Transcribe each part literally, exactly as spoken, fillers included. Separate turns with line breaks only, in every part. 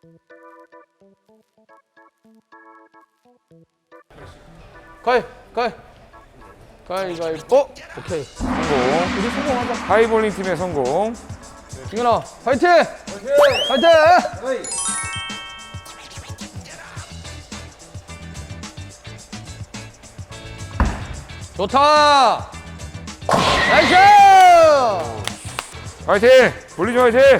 가위, 가위. 가위, 가위. 어? 오케이.
성공.
우리 성공하자.
하이볼링 팀의 성공.
승현아, 파이팅! 파이팅! 파이팅! 좋다! 나이스!
화이팅! 볼링 좀 화이팅!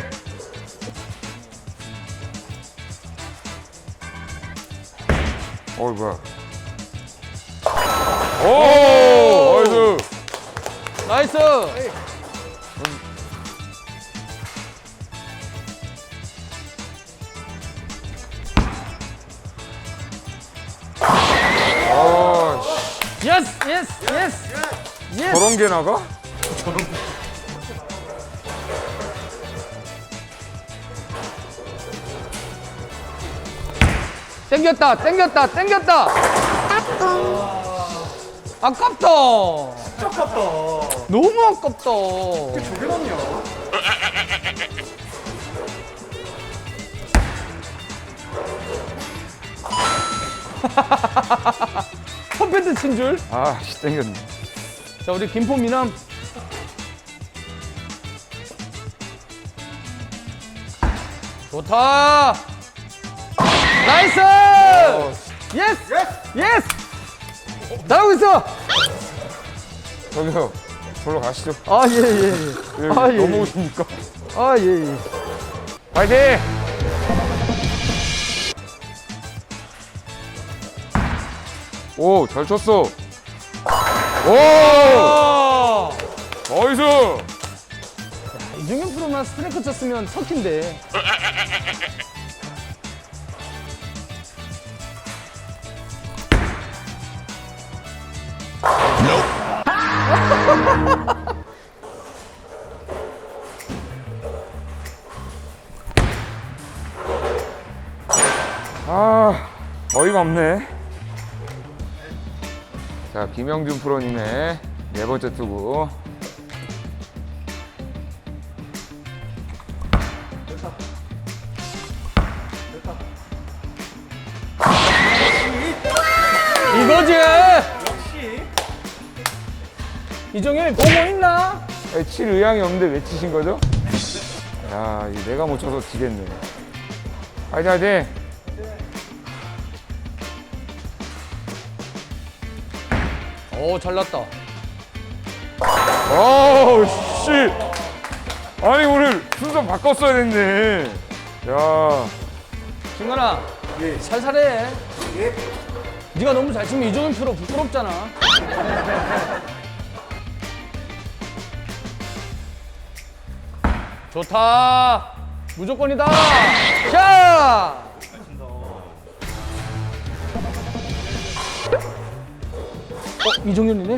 어이 뭐야? 오! 나이스!
나이스!
아,
예스! 예스! 예스! 예스!
저런 게 나가?
땡겼다! 땡겼다! 땡겼다! 아깝다!
진짜 아깝다.
너무 아깝다!
저게 맞냐?
컴패트 친 줄?
아, 씨 땡겼네.
자, 우리 김포 미남. 좋다! 나이스! 예스!
예스!
예스! 잘하고 있어!
저기요, 저로 가시죠.
아, 예, 예, 예.
왜
아, 예, 예.
넘어오십니까?
아, 예, 예.
화이팅! 오, 잘 쳤어. 오!
아!
나이스!
이중현 프로만 스트라이크 쳤으면 터키인데.
아, 어이가 없네. 자, 김영준 프로님의 네 번째 투구.
이거지!
역시.
이종현 보고 있나?
아니, 칠 의향이 없는데 왜 치신 거죠? 야, 이 내가 못 쳐서 지겠네. 화이팅, 화이팅!
오, 잘났다.
아우, 씨! 아니, 오늘 순서 바꿨어야 됐네. 야,
승관아,
예.
살살해.
예.
네가 너무 잘 치면 이종현 프로 부끄럽잖아. 좋다. 무조건이다. 자. 어, 이종현이네?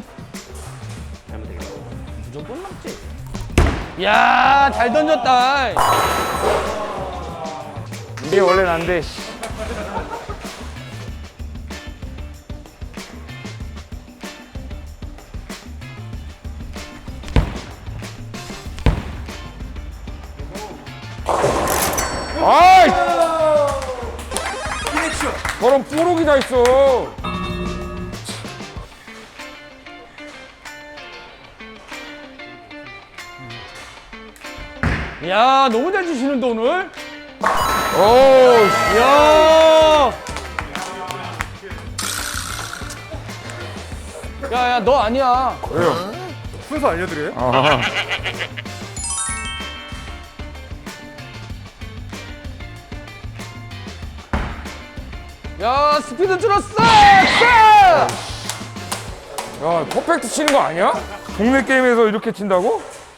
무조건 맞지. 이야, 잘 던졌다.
이게 원래 난데, 씨. 아이!
피니쉬.
저런 뽀록이 다 있어.
이야, 너무 잘 치시는데 오늘?
오, 씨.
이야. 야, 야, 너 아니야.
왜요?
순서 알려드려요?
아,
야, 스피드 줄었어! 자!
야, 퍼펙트 치는 거 아니야? 동네 게임에서 이렇게 친다고?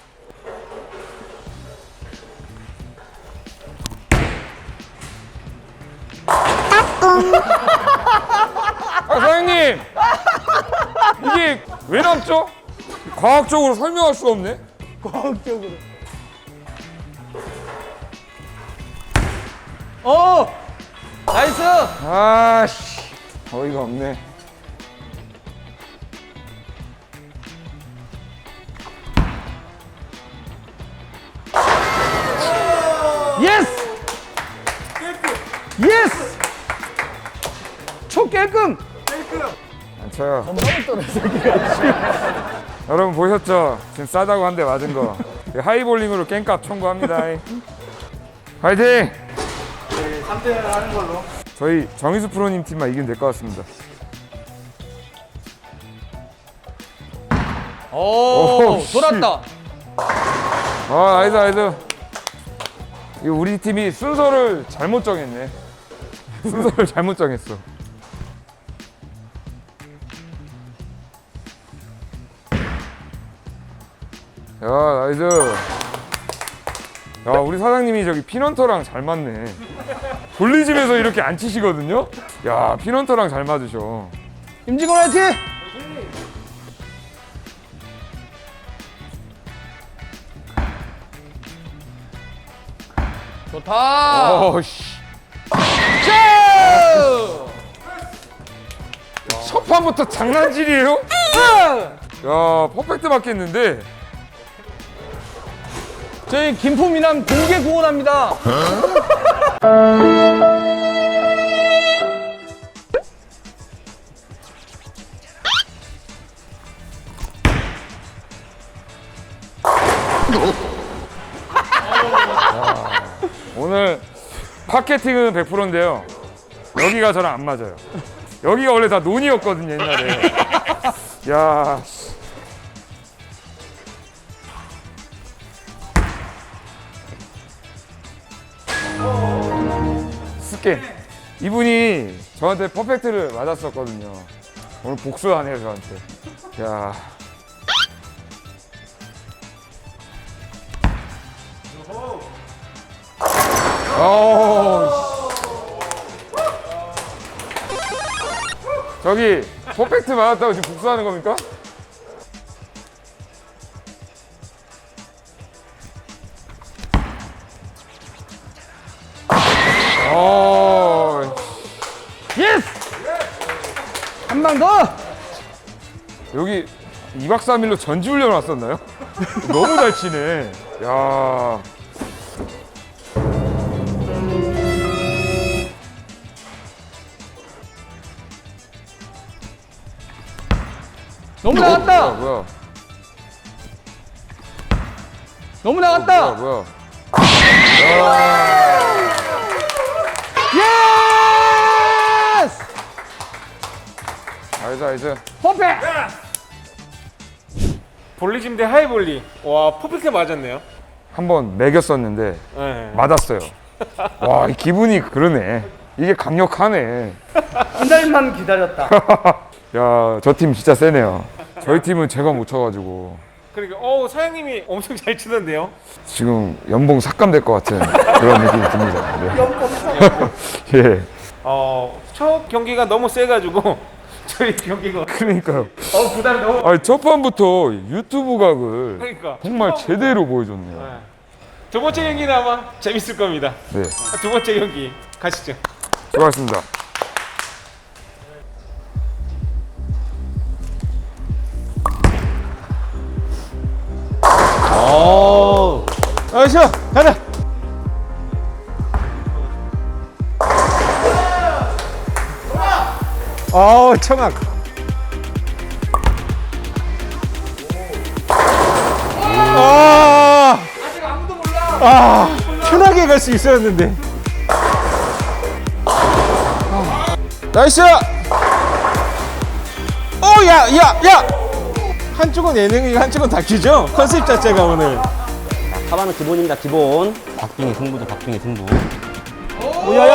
아, 사장님! 이게 왜 남죠? 과학적으로 설명할 수가 없네?
과학적으로. 어! 나이스!
아씨, 어이가 없네.
예스!
깰게.
오 깔끔.
안 쳐요. 여러분 보셨죠? 지금 싸다고 한 대 맞은 거. 하이볼링으로 깽값 청구합니다. 화이팅!
네, 삼 대 하는 걸로.
저희 정희수 프로님 팀만 이기면 될 것 같습니다.
오,
오, 씨.
돌았다.
아, 나이스, 나이스. 이거 우리 팀이 순서를 잘못 정했네. 순서를 잘못 정했어. 야, 나이스. 야, 우리 사장님이 저기 피넌터랑 잘 맞네. 돌리집에서 이렇게 안 치시거든요? 야, 피넌터랑 잘 맞으셔.
임직원 화이팅. 좋다.
어, 씨.
슈!
첫 판부터 장난질이에요? 야, 퍼펙트 맞겠는데?
저희 김포미남 공개 구원합니다.
오늘 파케팅은 백 퍼센트인데요. 여기가 저랑 안 맞아요. 여기가 원래 다 논이었거든요, 옛날에. 야, 씨. 스캔. 이분이 저한테 퍼펙트를 맞았었거든요. 오늘 복수하네요, 저한테. 야. 어. 저기 퍼펙트 맞았다고 지금 복수하는 겁니까? 어.
예스! 한 방 더!
여기 이 박 삼 일로 전지훈련 왔었나요? 너무 잘 치네. 야.
너무
뭐야,
나갔다!
뭐야?
너무
뭐야,
나갔다!
뭐야?
예스!
알지, 알지.
퍼펙트!
볼리즘 대 하이볼리. 와, 퍼펙트 맞았네요.
한번 매겼었는데
네.
맞았어요. 와, 이 기분이 그러네. 이게 강력하네.
한 달만 기다렸다.
야, 저 팀 진짜 세네요. 저희 팀은 제가 못 쳐가지고
그러니까 어 사장님이 엄청 잘 치던데요.
지금 연봉 삭감될 것 같은 그런 느낌이 듭니다. 네. 예,
어, 첫 경기가 너무 세가지고 저희 경기가
그러니까요.
어 부담이 너무.
아니, 첫 판부터 유튜브 각을
그러니까
정말 제대로 보여줬네요.
네. 두 번째 경기는 아마 재밌을 겁니다.
네,
두 번째 경기 가시죠.
수고하셨습니다.
오! 나이스! 가자!
어 청악. 아 아직 아무도 몰라. 아 편하게 갈 수 있었는데. 나이스. 어야야야. 한쪽은 예능이고 한쪽은 다큐죠. 컨셉 자체가 오늘.
하반은 기본입니다. 기본. 박빙의 승부죠. 박빙의 승부.
오야야.